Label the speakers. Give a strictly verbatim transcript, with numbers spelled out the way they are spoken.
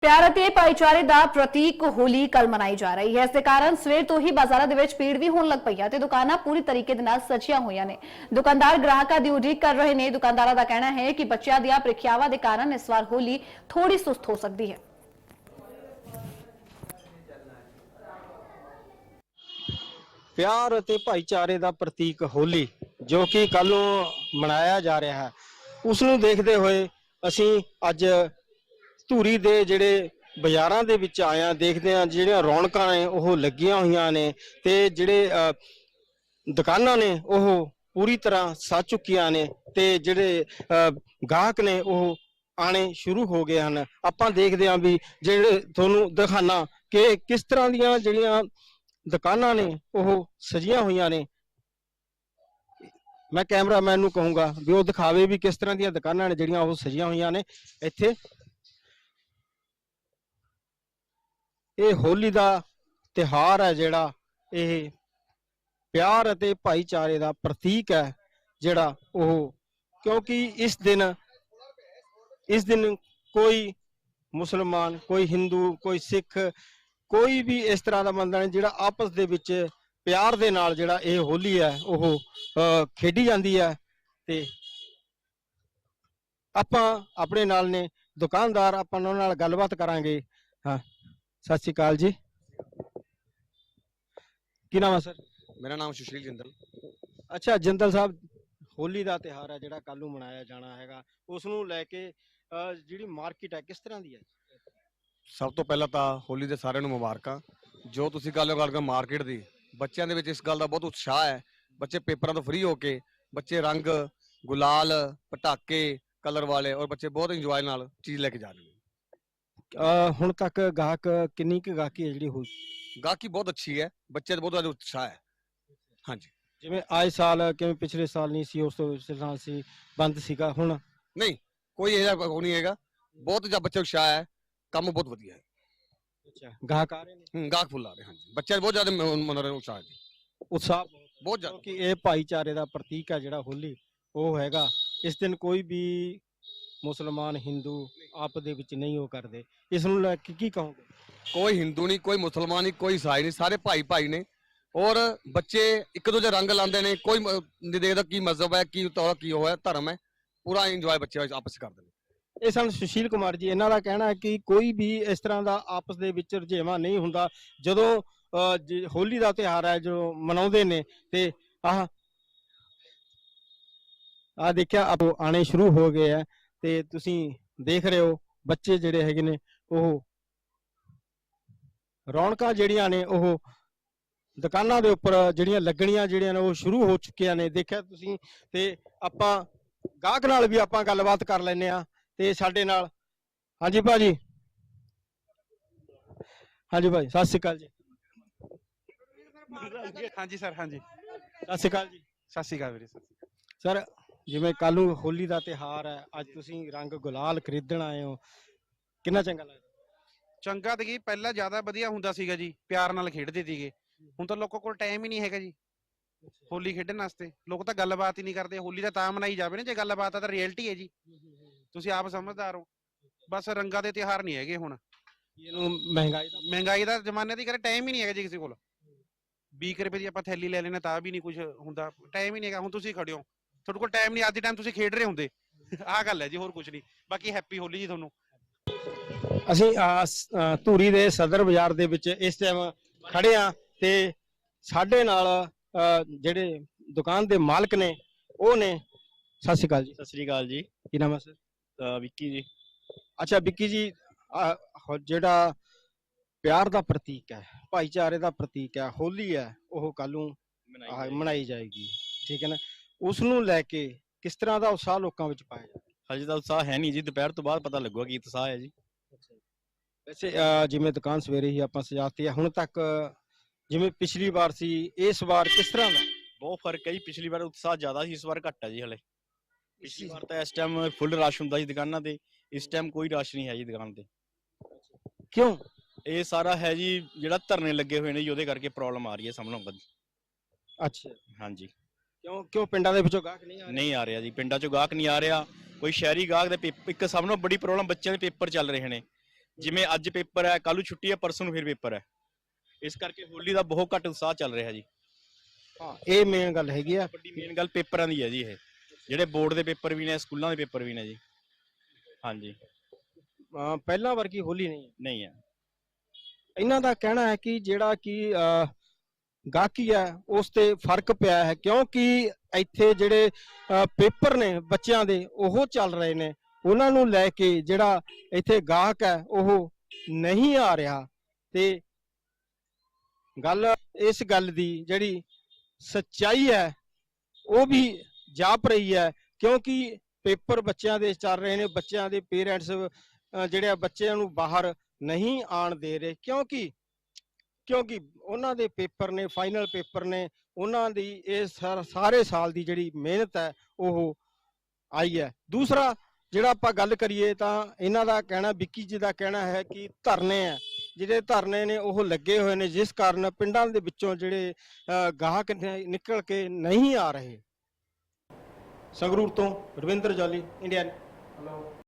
Speaker 1: ਪਿਆਰ ਅਤੇ ਭਾਈਚਾਰੇ ਦਾ ਪ੍ਰਤੀਕ ਹੋਲੀ ਕੱਲ ਮਨਾਈ ਜਾ ਰਹੀ ਹੈ। ਇਸ ਦੇ ਕਾਰਨ ਸਵੇਰ ਤੋਂ ਹੀ ਬਾਜ਼ਾਰਾਂ ਦੇ ਵਿੱਚ ਭੀੜ ਵੀ ਹੋਣ ਲੱਗ ਪਈ ਹੈ ਤੇ ਦੁਕਾਨਾਂ ਪੂਰੀ ਤਰੀਕੇ ਦੇ ਨਾਲ ਸਜੀਆਂ ਹੋਈਆਂ ਨੇ। ਦੁਕਾਨਦਾਰ ਗ੍ਰਾਹਕਾਂ ਦੀ ਉਡੀਕ ਕਰ ਰਹੇ ਨੇ। ਦੁਕਾਨਦਾਰਾਂ ਦਾ ਕਹਿਣਾ ਹੈ ਕਿ ਬੱਚਿਆਂ ਦੀਆਂ ਪ੍ਰੀਖਿਆਵਾਂ ਦੇ ਕਾਰਨ ਇਸ ਵਾਰ ਹੋਲੀ ਥੋੜੀ ਸੁਸਤ ਹੋ ਸਕਦੀ ਹੈ।
Speaker 2: ਪਿਆਰ ਅਤੇ ਭਾਈਚਾਰੇ ਦਾ ਪ੍ਰਤੀਕ ਹੋਲੀ ਜੋ ਕਿ ਕੱਲ ਨੂੰ ਮਨਾਇਆ ਜਾ ਰਿਹਾ ਹੈ, ਉਸ ਨੂੰ ਦੇਖਦੇ ਹੋਏ ਅਸੀਂ ਅੱਜ ਧੂਰੀ ਦੇ ਜਿਹੜੇ ਬਾਜ਼ਾਰਾਂ ਦੇ ਵਿੱਚ ਆਏ ਹਾਂ। ਦੇਖਦੇ ਹਾਂ ਜਿਹੜੀਆਂ ਰੌਣਕਾਂ ਨੇ ਉਹ ਲੱਗੀਆਂ ਹੋਈਆਂ ਨੇ ਤੇ ਜਿਹੜੇ ਦੁਕਾਨਾਂ ਨੇ ਉਹ ਪੂਰੀ ਤਰ੍ਹਾਂ ਸਜ ਚੁੱਕੀਆਂ ਨੇ ਤੇ ਜਿਹੜੇ ਗਾਹਕ ਨੇ ਉਹ ਆਣੇ ਸ਼ੁਰੂ ਹੋ ਗਏ ਹਨ। ਆਪਾਂ ਦੇਖਦੇ ਹਾਂ ਵੀ ਜਿਹੜੇ ਤੁਹਾਨੂੰ ਦਿਖਾਣਾ ਕਿ ਕਿਸ ਤਰ੍ਹਾਂ ਦੀਆਂ ਜਿਹੜੀਆਂ ਦੁਕਾਨਾਂ ਨੇ ਉਹ ਸਜੀਆਂ ਹੋਈਆਂ ਨੇ। ਮੈਂ ਕੈਮਰਾਮੈਨ ਨੂੰ ਕਹੂੰਗਾ ਵੀ ਉਹ ਦਿਖਾਵੇ ਵੀ ਕਿਸ ਤਰ੍ਹਾਂ ਦੀਆਂ ਦੁਕਾਨਾਂ ਨੇ ਜਿਹੜੀਆਂ ਉਹ ਸਜੀਆਂ ਹੋਈਆਂ ਨੇ। ਇੱਥੇ ਇਹ ਹੋਲੀ ਦਾ ਤਿਉਹਾਰ ਹੈ ਜਿਹੜਾ ਇਹ ਪਿਆਰ ਅਤੇ ਭਾਈਚਾਰੇ ਦਾ ਪ੍ਰਤੀਕ ਹੈ ਜਿਹੜਾ ਉਹ, ਕਿਉਂਕਿ ਇਸ ਦਿਨ ਇਸ ਦਿਨ ਕੋਈ ਮੁਸਲਮਾਨ, ਕੋਈ ਹਿੰਦੂ, ਕੋਈ ਸਿੱਖ, ਕੋਈ ਵੀ ਇਸ ਤਰ੍ਹਾਂ ਦਾ ਬੰਦਾ ਨਹੀਂ ਜਿਹੜਾ ਆਪਸ ਦੇ ਵਿੱਚ ਪਿਆਰ ਦੇ ਨਾਲ ਜਿਹੜਾ ਇਹ ਹੋਲੀ ਹੈ ਉਹ ਖੇਡੀ ਜਾਂਦੀ ਹੈ। ਤੇ ਆਪਾਂ ਆਪਣੇ ਨਾਲ ਨੇ ਦੁਕਾਨਦਾਰ, ਆਪਾਂ ਉਹਨਾਂ ਨਾਲ ਗੱਲਬਾਤ ਕਰਾਂਗੇ। ਹਾਂ, ਸਤਿ ਸ਼੍ਰੀ ਅਕਾਲ ਜੀ, ਕੀ ਨਾਮ ਹੈ ਸਰ?
Speaker 3: ਮੇਰਾ ਨਾਮ ਸੁਸ਼ੀਲ ਜਿੰਦਲ।
Speaker 2: ਅੱਛਾ ਜਿੰਦਲ ਸਾਹਿਬ, ਹੋਲੀ ਦਾ ਤਿਉਹਾਰ ਹੈ ਜਿਹੜਾ ਕੱਲ ਨੂੰ ਮਨਾਇਆ ਜਾਣਾ ਹੈਗਾ, ਉਸ ਨੂੰ ਲੈ ਕੇ ਜਿਹੜੀ ਮਾਰਕੀਟ ਹੈ ਕਿਸ ਤਰ੍ਹਾਂ ਦੀ ਹੈ?
Speaker 3: ਸਭ ਤੋਂ ਪਹਿਲਾਂ ਤਾਂ ਹੋਲੀ ਦੇ ਸਾਰਿਆਂ ਨੂੰ ਮੁਬਾਰਕਾਂ। ਜੋ ਤੁਸੀਂ ਗੱਲ ਕਰ ਰਹੇ ਮਾਰਕੀਟ ਦੀ, ਬੱਚਿਆਂ ਦੇ ਵਿੱਚ ਇਸ ਗੱਲ ਦਾ ਬਹੁਤ ਉਤਸ਼ਾਹ ਹੈ। ਬੱਚੇ ਪੇਪਰਾਂ ਤੋਂ ਫ੍ਰੀ ਹੋ ਕੇ ਬੱਚੇ ਰੰਗ ਗੁਲਾਲ, ਪਟਾਕੇ, ਕਲਰ ਵਾਲੇ ਔਰ ਬੱਚੇ ਬਹੁਤ ਇੰਜੋਏ ਨਾਲ ਚੀਜ਼ ਲੈ ਕੇ ਜਾ ਰਹੇ ਨੇ।
Speaker 2: ਹੁਣ ਤੱਕ ਗਾਹਕ ਕਿੰਨੀ ਕੁ ਗਾਹਕੀ ਹੈ ਜਿਹੜੀ ਹੋਈ?
Speaker 3: ਗਾਹਕੀ ਬਹੁਤ ਅੱਛੀ ਹੈ, ਬੱਚੇ ਦਾ ਬਹੁਤ ਜ਼ਿਆਦਾ ਉਤਸ਼ਾਹ ਹੈ। ਹਾਂਜੀ,
Speaker 2: ਜਿਵੇਂ ਆਏ ਸਾਲ, ਕਿਵੇਂ ਪਿਛਲੇ ਸਾਲ ਨਹੀਂ ਸੀ, ਉਸ ਤੋਂ ਪਿਛਲੇ ਸਾਲ ਸੀ, ਬੰਦ ਸੀਗਾ, ਹੁਣ
Speaker 3: ਨਹੀਂ ਕੋਈ ਇਹੋ ਜਿਹਾ ਨਹੀਂ ਹੈਗਾ। ਬਹੁਤ ਜ਼ਿਆਦਾ ਬੱਚੇ ਉਤਸ਼ਾਹ ਹੈ, ਕੰਮ ਬਹੁਤ ਵਧੀਆ ਹੈ।
Speaker 2: ਅੱਛਾ, ਗਾਹਕ ਆ ਰਹੇ ਨੇ?
Speaker 3: ਹੂੰ, ਗਾਹਕ ਫੁੱਲ ਆ ਰਹੇ। ਹਾਂਜੀ, ਬੱਚੇ ਬਹੁਤ ਜ਼ਿਆਦਾ ਮਨ ਰਹੇ ਉਤਸ਼ਾਹ ਹੈ,
Speaker 2: ਉਤਸ਼ਾਹ
Speaker 3: ਬਹੁਤ ਜ਼ਿਆਦਾ,
Speaker 2: ਕਿ ਇਹ ਭਾਈਚਾਰੇ ਦਾ ਪ੍ਰਤੀਕ ਹੈ ਜਿਹੜਾ ਹੋਲੀ ਉਹ ਹੈਗਾ। ਇਸ ਦਿਨ ਕੋਈ ਵੀ ਮੁਸਲਮਾਨ, ਹਿੰਦੂ ਆਪਸ ਦੇ ਵਿੱਚ ਨਹੀਂ ਉਹ ਕਰਦੇ। ਇਸ ਨੂੰ ਲੈ ਕੇ ਕੀ ਕਹੋਗੇ?
Speaker 3: ਕੋਈ ਹਿੰਦੂ ਨਹੀਂ, ਕੋਈ ਮੁਸਲਮਾਨ ਨਹੀਂ, ਕੋਈ ਈਸਾਈ ਨਹੀਂ, ਸਾਰੇ ਭਾਈ ਭਾਈ ਨੇ। ਔਰ ਬੱਚੇ ਇੱਕ ਦੂਜੇ ਰੰਗ ਲਾਉਂਦੇ ਨੇ, ਕੋਈ ਨਹੀਂ ਦੇਖਦਾ ਕੀ ਮਜ਼ਹਬ ਹੈ, ਕੀ ਤੌਰ ਕੀ ਉਹ ਹੈ, ਧਰਮ ਹੈ, ਪੂਰਾ ਇੰਜੋਏ ਬੱਚੇ ਆਪਸ ਕਰਦੇ ਨੇ।
Speaker 2: ਇਹ ਸਨ ਸੁਸ਼ੀਲ ਕੁਮਾਰ ਜੀ, ਇਹਨਾਂ ਦਾ ਕਹਿਣਾ ਹੈ ਕਿ ਕੋਈ ਵੀ ਇਸ ਤਰ੍ਹਾਂ ਦਾ ਆਪਸ ਦੇ ਵਿੱਚ ਰੁਝੇਵਾਂ ਨਹੀਂ ਹੁੰਦਾ। ਜਦੋਂ ਹੋਲੀ ਦਾ ਤਿਉਹਾਰ ਹੈ ਜੋ ਮਨਾਉਂਦੇ ਨੇ ਤੇ ਆਹ ਆ ਦੇਖਿਆ ਆਪ ਆਣੇ ਸ਼ੁਰੂ ਹੋ ਗਏ ਆ ਤੇ ਤੁਸੀਂ ਦੇਖ ਰਹੇ ਹੋ ਬੱਚੇ ਜਿਹੜੇ ਹੈਗੇ ਨੇ ਉਹ ਰੌਣਕਾਂ ਜਿਹੜੀਆਂ ਨੇ ਉਹ ਦੁਕਾਨਾਂ ਦੇ ਉੱਪਰ ਜਿਹੜੀਆਂ ਲੱਗਣੀਆਂ ਜਿਹੜੀਆਂ ਨੇ ਉਹ ਸ਼ੁਰੂ ਹੋ ਚੁੱਕੀਆਂ ਨੇ। ਦੇਖਿਆ ਤੁਸੀਂ, ਤੇ ਆਪਾਂ ਗਾਹਕ ਨਾਲ ਵੀ ਆਪਾਂ ਗੱਲਬਾਤ ਕਰ ਲੈਂਦੇ ਆ ਤੇ ਸਾਡੇ ਨਾਲ। ਹਾਂਜੀ ਭਾਜੀ, ਹਾਂਜੀ ਭਾਈ, ਸਤਿ ਸ਼੍ਰੀ ਅਕਾਲ ਜੀ।
Speaker 4: ਹਾਂਜੀ ਸਰ, ਹਾਂਜੀ
Speaker 2: ਸਤਿ ਸ਼੍ਰੀ ਅਕਾਲ ਜੀ।
Speaker 4: ਸਤਿ ਸ਼੍ਰੀ ਅਕਾਲ ਵੀਰੇ।
Speaker 2: ਸਰ, ਜਿਵੇਂ ਕੱਲ ਨੂੰ ਹੋਲੀ ਦਾ ਤਿਉਹਾਰ ਹੈ, ਅੱਜ ਤੁਸੀਂ ਰੰਗ ਗੁਲਾਲ ਖਰੀਦਣ ਆਏ ਹੋ, ਕਿੰਨਾ ਚੰਗਾ ਲੱਗਦਾ?
Speaker 4: ਚੰਗਾ ਤੇ ਕੀ, ਪਹਿਲਾਂ ਜ਼ਿਆਦਾ ਵਧੀਆ ਹੁੰਦਾ ਸੀਗਾ ਜੀ, ਪਿਆਰ ਨਾਲ ਖੇਡਦੇ ਸੀਗੇ। ਹੁਣ ਤਾਂ ਲੋਕਾਂ ਕੋਲ ਟਾਈਮ ਹੀ ਨਹੀਂ ਹੈਗਾ ਜੀ ਹੋਲੀ ਖੇਡਣ ਵਾਸਤੇ। ਲੋਕ ਤਾਂ ਗੱਲਬਾਤ ਹੀ ਨਹੀਂ ਕਰਦੇ। ਹੋਲੀ ਦਾ ਤਾਂ ਮਨਾਈ ਜਾਵੇ ਨਾ ਜੇ ਗੱਲਬਾਤ ਆ ਤਾਂ ਰਿਐਲਿਟੀ ਹੈ ਜੀ, ਤੁਸੀਂ ਆਪ ਸਮਝਦਾਰ ਹੋ। ਬਸ ਰੰਗਾਂ ਦੇ ਤਿਉਹਾਰ ਨਹੀਂ ਹੈਗੇ ਹੁਣ।
Speaker 2: ਇਹਨੂੰ ਮਹਿੰਗਾਈ ਦਾ
Speaker 4: ਮਹਿੰਗਾਈ ਦਾ ਜ਼ਮਾਨੇ ਦੀ ਕਰੇ ਟਾਈਮ ਹੀ ਨਹੀਂ ਹੈਗਾ ਜੀ ਕਿਸੇ ਕੋਲ। ਵੀਹ ਰੁਪਏ ਦੀ ਆਪਾਂ ਥੈਲੀ ਲੈ ਲੈਣਾ ਤਾਂ ਵੀ ਨਹੀਂ ਕੁਝ ਹੁੰਦਾ, ਟਾਈਮ ਹੀ ਨਹੀਂ ਹੈਗਾ। ਹੁਣ ਤੁਸੀਂ ਖੜੇ ਹੋ, ਤੁਹਾਡੇ ਕੋਲ ਟਾਈਮ ਨਹੀਂ, ਅੱਜ ਦੇ ਟਾਈਮ ਤੁਸੀਂ ਖੇਡ ਰਹੇ ਹੁੰਦੇ। ਆਹ ਗੱਲ ਹੈ ਜੀ, ਹੋਰ ਕੁਝ ਨਹੀਂ। ਬਾਕੀ ਹੈਪੀ ਹੋਲੀ ਜੀ ਤੁਹਾਨੂੰ।
Speaker 2: ਅਸੀਂ ਧੂਰੀ ਦੇ ਸਦਰ ਬਾਜ਼ਾਰ ਦੇ ਵਿੱਚ ਇਸ ਟਾਈਮ ਖੜੇ ਆ ਤੇ ਸਾਡੇ ਨਾਲ ਜਿਹੜੇ ਦੁਕਾਨ ਦੇ ਮਾਲਕ ਨੇ ਉਹ ਨੇ। ਸਤਿ ਸ਼੍ਰੀ ਅਕਾਲ ਜੀ।
Speaker 5: ਸਤਿ ਸ਼੍ਰੀ ਅਕਾਲ ਜੀ।
Speaker 2: ਕੀ ਨਾਮ ਹੈ ਸਰ?
Speaker 5: ਵਿੱਕੀ ਜੀ।
Speaker 2: ਅੱਛਾ ਵਿੱਕੀ ਜੀ, ਜਿਹੜਾ ਪਿਆਰ ਦਾ ਪ੍ਰਤੀਕ ਹੈ, ਭਾਈਚਾਰੇ ਦਾ ਪ੍ਰਤੀਕ ਹੈ, ਹੋਲੀ ਹੈ, ਉਹ ਕੱਲ ਨੂੰ ਮਨਾਈ ਜਾਏਗੀ, ਠੀਕ ਹੈ ਨਾ? ਉਸ ਨੂੰ ਲੈ ਕੇ ਕਿਸ ਤਰ੍ਹਾਂ ਦਾ ਉਤਸ਼ਾਹ ਲੋਕਾਂ ਵਿੱਚ ਪਾਇਆ ਜਾਂਦਾ?
Speaker 5: ਹਜੇ ਤਾਂ ਉਤਸ਼ਾਹ ਹੈ ਨਹੀਂ ਜੀ, ਦੁਪਹਿਰ ਤੋਂ ਬਾਅਦ ਪਤਾ ਲੱਗੂਗਾ ਕੀ ਉਤਸ਼ਾਹ ਹੈ ਜੀ।
Speaker 2: ਵੈਸੇ ਜਿਵੇਂ ਦੁਕਾਨ ਸਵੇਰੇ ਹੀ ਆਪਾਂ ਸਜਾਤੀ ਹੈ, ਹੁਣ ਤੱਕ ਜਿਵੇਂ ਪਿਛਲੀ ਵਾਰ ਸੀ, ਇਸ ਵਾਰ ਕਿਸ ਤਰ੍ਹਾਂ ਦਾ?
Speaker 5: ਬਹੁਤ ਫਰਕ ਹੈ ਜੀ, ਪਿਛਲੀ ਵਾਰ ਉਤਸ਼ਾਹ ਜ਼ਿਆਦਾ ਸੀ, ਇਸ ਵਾਰ ਘੱਟ ਹੈ ਜੀ। ਹਲੇ ਪਿਛਲੀ ਵਾਰ ਤਾਂ ਇਸ ਟਾਈਮ ਫੁੱਲ ਰਸ਼ ਹੁੰਦਾ ਸੀ ਦੁਕਾਨਾਂ ਤੇ, ਇਸ ਟਾਈਮ ਕੋਈ ਰਸ਼ ਨਹੀਂ ਹੈ ਜੀ ਦੁਕਾਨ ਤੇ।
Speaker 2: ਕਿਉਂ?
Speaker 5: ਇਹ ਸਾਰਾ ਹੈ ਜੀ ਜਿਹੜਾ ਧਰਨੇ ਲੱਗੇ ਹੋਏ ਨੇ ਜੀ, ਉਹਦੇ ਕਰਕੇ ਪ੍ਰੋਬਲਮ ਆ ਰਹੀ ਹੈ ਸਾਹਮਣੇ।
Speaker 2: ਅੱਛਾ,
Speaker 5: ਹਾਂਜੀ।
Speaker 2: ਕਿਉਂ ਕਿਉਂ ਪਿੰਡਾਂ ਦੇ ਵਿੱਚੋਂ ਗਾਹਕ ਨਹੀਂ ਆ ਰਹੇ?
Speaker 5: ਨਹੀਂ ਆ ਰਿਹਾ ਜੀ, ਪਿੰਡਾਂ ਚੋਂ ਗਾਹਕ ਨਹੀਂ ਆ ਰਿਹਾ। ਕੋਈ ਸ਼ਹਿਰੀ ਗਾਹਕ ਦੇ ਪੇਪਰ, ਇੱਕ ਸਭ ਤੋਂ ਬੜੀ ਪ੍ਰੋਬਲਮ ਬੱਚਿਆਂ ਦੇ ਪੇਪਰ ਚੱਲ ਰਹੇ ਨੇ, ਜਿਵੇਂ ਅੱਜ ਪੇਪਰ ਹੈ, ਕੱਲ ਨੂੰ ਛੁੱਟੀ ਹੈ, ਪਰਸੋਂ ਨੂੰ ਫਿਰ ਪੇਪਰ ਹੈ। ਇਸ ਕਰਕੇ ਹੋਲੀ ਦਾ ਬਹੁਤ ਘੱਟ ਉਤਸ਼ਾਹ ਚੱਲ ਰਿਹਾ ਜੀ।
Speaker 2: ਹਾਂ, ਇਹ ਮੇਨ ਗੱਲ ਹੈਗੀ ਆ।
Speaker 5: ਵੱਡੀ ਮੇਨ ਗੱਲ ਪੇਪਰਾਂ ਦੀ ਹੈ ਜੀ। ਇਹ ਜਿਹੜੇ ਬੋਰਡ ਦੇ ਪੇਪਰ ਵੀ ਨੇ, ਸਕੂਲਾਂ ਦੇ ਪੇਪਰ ਵੀ ਨੇ ਜੀ। ਹਾਂਜੀ,
Speaker 2: ਅਹ ਪਹਿਲਾਂ ਵਰਗੀ ਹੋਲੀ ਨਹੀਂ ਹੈ।
Speaker 5: ਨਹੀਂ ਹੈ।
Speaker 2: ਇਹਨਾਂ ਦਾ ਕਹਿਣਾ ਹੈ ਕਿ ਜਿਹੜਾ ਕਿ ਅਹ, ਗਾਹਕੀ ਹੈ ਉਸ ਤੇ ਫਰਕ ਪਿਆ ਹੈ, ਕਿਉਂਕਿ ਇੱਥੇ ਜਿਹੜੇ ਅਹ, ਪੇਪਰ ਨੇ ਬੱਚਿਆਂ ਦੇ ਉਹ ਚੱਲ ਰਹੇ ਨੇ, ਉਹਨਾਂ ਨੂੰ ਲੈ ਕੇ ਜਿਹੜਾ ਇੱਥੇ ਗਾਹਕ ਹੈ ਉਹ ਨਹੀਂ ਆ ਰਿਹਾ। ਤੇ ਗੱਲ ਇਸ ਗੱਲ ਦੀ ਜਿਹੜੀ ਸੱਚਾਈ ਹੈ ਉਹ ਵੀ ਜਾਪ ਰਹੀ ਹੈ, ਕਿਉਂਕਿ ਪੇਪਰ ਬੱਚਿਆਂ ਦੇ ਚੱਲ ਰਹੇ ਨੇ। ਬੱਚਿਆਂ ਦੇ ਪੇਰੈਂਟਸ ਜਿਹੜੇ ਆ ਬੱਚਿਆਂ ਨੂੰ ਬਾਹਰ ਨਹੀਂ ਆਣ ਦੇ ਰਹੇ, ਕਿਉਂਕਿ ਕਿਉਂਕਿ ਉਹਨਾਂ ਦੇ ਪੇਪਰ ਨੇ, ਫਾਈਨਲ ਪੇਪਰ ਨੇ, ਉਹਨਾਂ ਦੀ ਇਹ ਸਾ- ਸਾਰੇ ਸਾਲ ਦੀ ਜਿਹੜੀ ਮਿਹਨਤ ਹੈ ਉਹ ਆਈ ਹੈ। ਦੂਸਰਾ ਜਿਹੜਾ ਆਪਾਂ ਗੱਲ ਕਰੀਏ ਤਾਂ ਇਹਨਾਂ ਦਾ ਕਹਿਣਾ, ਵਿੱਕੀ ਜੀ ਦਾ ਕਹਿਣਾ ਹੈ ਕਿ ਧਰਨੇ ਆ, ਜਿਹੜੇ ਧਰਨੇ ਨੇ ਉਹ ਲੱਗੇ ਹੋਏ ਨੇ, ਜਿਸ ਕਾਰਨ ਪਿੰਡਾਂ ਦੇ ਵਿੱਚੋਂ ਜਿਹੜੇ ਅਹ, ਗਾਹਕ ਨੇ ਨਿਕਲ ਕੇ ਨਹੀਂ ਆ ਰਹੇ। ਸੰਗਰੂਰ ਤੋਂ ਰਵਿੰਦਰ ਜਾਲੀ, ਇੰਡੀਅਨ।